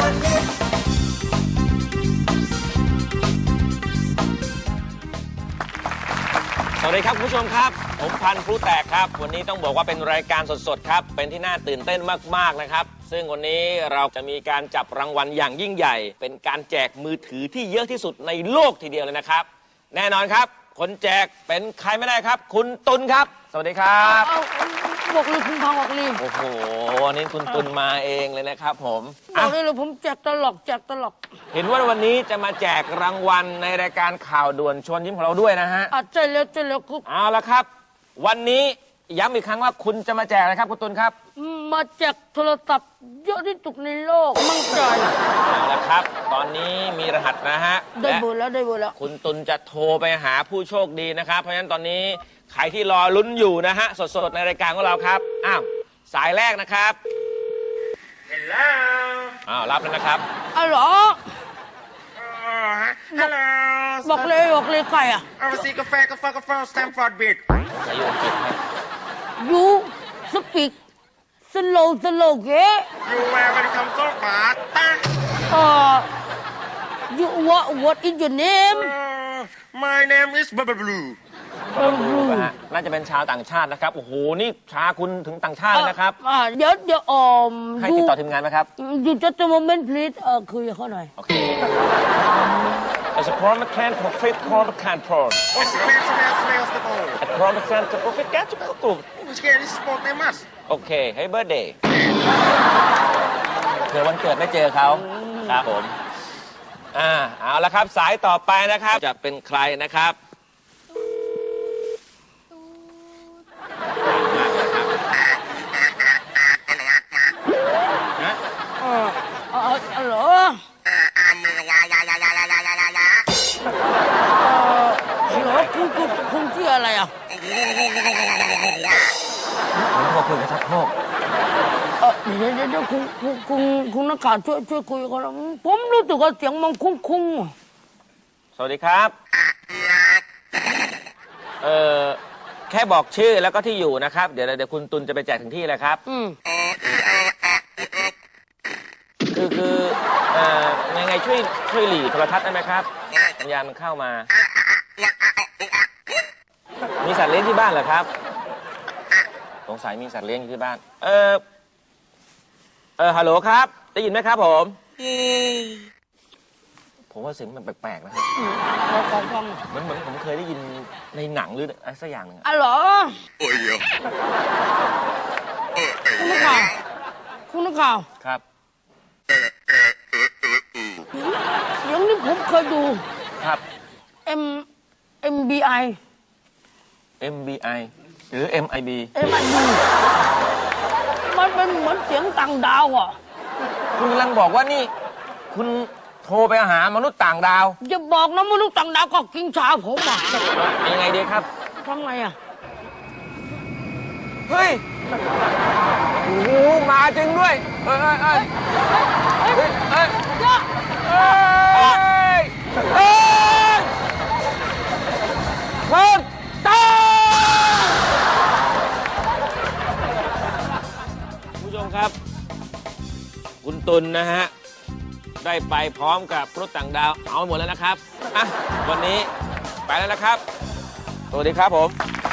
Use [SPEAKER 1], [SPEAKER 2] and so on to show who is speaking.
[SPEAKER 1] สวัสดีครับคุณผู้ชมครับผมพันธุ์พลุแตกครับวันนี้ต้องบอกว่าเป็นรายการสดๆครับเป็นที่น่าตื่นเต้นมากๆนะครับซึ่งวันนี้เราจะมีการจับรางวัลอย่างยิ่งใหญ่เป็นการแจกมือถือที่เยอะที่สุดในโลกทีเดียวเลยนะครับแน่นอนครับคนแจกเป็นใครไม่ได้ครับคุณตุลครับสวัสดีครับ
[SPEAKER 2] บอกเลยคุณพังบอกเลย
[SPEAKER 1] โอ้โหวันนี้คุณตุลมาเองเลยนะครับผม
[SPEAKER 2] บอกเลยผมแจกตลก
[SPEAKER 1] เห็นว่าวันนี้จะมาแจกรางวัลในรายการข่าวด่วนชวนยิ้มของเราด้วยนะฮะ
[SPEAKER 2] ใจเร็วครับ
[SPEAKER 1] เอาละครับวันนี้ย้ำอีกครั้งว่าคุณจะมาแจกอะไรครับคุณตุลครับ
[SPEAKER 2] มาแจกโทรศัพท์เยอะที่สุดในโลกมั่งใจ
[SPEAKER 1] เอาละครับตอนนี้มีรหัสนะฮะ
[SPEAKER 2] ได้เบอร์แล้ว
[SPEAKER 1] คุณตุลจะโทรไปหาผู้โชคดีนะครับเพราะฉะนั้นตอนนี้ใครที่รอลุ้นอยู่นะฮะสดๆในรายการของเราครับอ้าวสายแรกนะครับHello รับแล้วนะครับ
[SPEAKER 2] อ๋อเหรอบอกเลยใครอ่ะ
[SPEAKER 3] เอาสิกาแฟสแตมฟอร์ดบิด
[SPEAKER 1] ใส่ยูอังกฤษครับ
[SPEAKER 2] ยูสปีกสโลเก
[SPEAKER 3] ยูแวร์เป็นคำโต้บาตา
[SPEAKER 2] you what is your name
[SPEAKER 3] My name is Blue
[SPEAKER 1] น่าจะเป็นชาวต่างชาตินะครับโอ้โหนี่ชาคุณถึงต่างชาติเลยนะครับ
[SPEAKER 2] เดี๋ยว
[SPEAKER 1] ให้ติดต่อทีมงานไหมครับ
[SPEAKER 2] You just a moment please คุยกับเขาหน่อย
[SPEAKER 1] โอเค As a promotion profit control
[SPEAKER 3] What's the smells the ball
[SPEAKER 1] A promotion to profit get to cook
[SPEAKER 3] Which game is sport they must
[SPEAKER 1] โอเค Happy birthday เผื่อวันเกิดไม่เจอเขาครับผมเอาละครับสายต่อไปนะครับจะเป็นใครนะครับ
[SPEAKER 2] เหรอคุณชื่ออะไรอ่ะ
[SPEAKER 1] ผมโทรคุยกับชักโครก
[SPEAKER 2] เดี๋ยวคุณนักข่าวช่วยคุยกันผมรู้สึกว่าเสียงมันคุ้ง
[SPEAKER 1] สวัสดีครับแค่บอกชื่อแล้วก็ที่อยู่นะครับเดี๋ยวคุณตุลจะไปแจกถึงที่เลยครับคือยังไงช่วยหลีโทรทัศน์ได้ไหมครับสัญญาณมันเข้ามามีสัตว์เลี้ยงที่บ้านเหรอครับสงสัยมีสัตว์เลี้ยงอยู่ที่บ้านฮัลโหลครับได้ยินไหมครับผมว่าเสียงมันแปลกๆนะครับเหมือนผมเคยได้ยินในหนังหรืออะไรสักอย่างหนึ่ง
[SPEAKER 2] เหรอคุณนักข่าว
[SPEAKER 1] ครับ
[SPEAKER 2] อย่างนี้ผมเคยดู
[SPEAKER 1] ครับ
[SPEAKER 2] MBI
[SPEAKER 1] หรือ MIB
[SPEAKER 2] มันเป็นเหมือนเสียงต่างดาวอ่ะ
[SPEAKER 1] คุณกำลังบอกว่านี่คุณโทรไปหามนุษย์ต่างดาว
[SPEAKER 2] อย่าบอกนะมนุษย์ต่างดาวก็กินชาผมอ่ะ
[SPEAKER 1] ยังไงดีครับ
[SPEAKER 2] ทำไงอ่ะ
[SPEAKER 1] เฮ้ยโอ้โหมาจริงด้วยเฮ้ยผู้ชมครับคุณตุลนะฮะได้ไปพร้อมกับมนุษย์ต่างดาวเอาหมดแล้วนะครับวันนี้ไปแล้วนะครับสวัสดีครับผม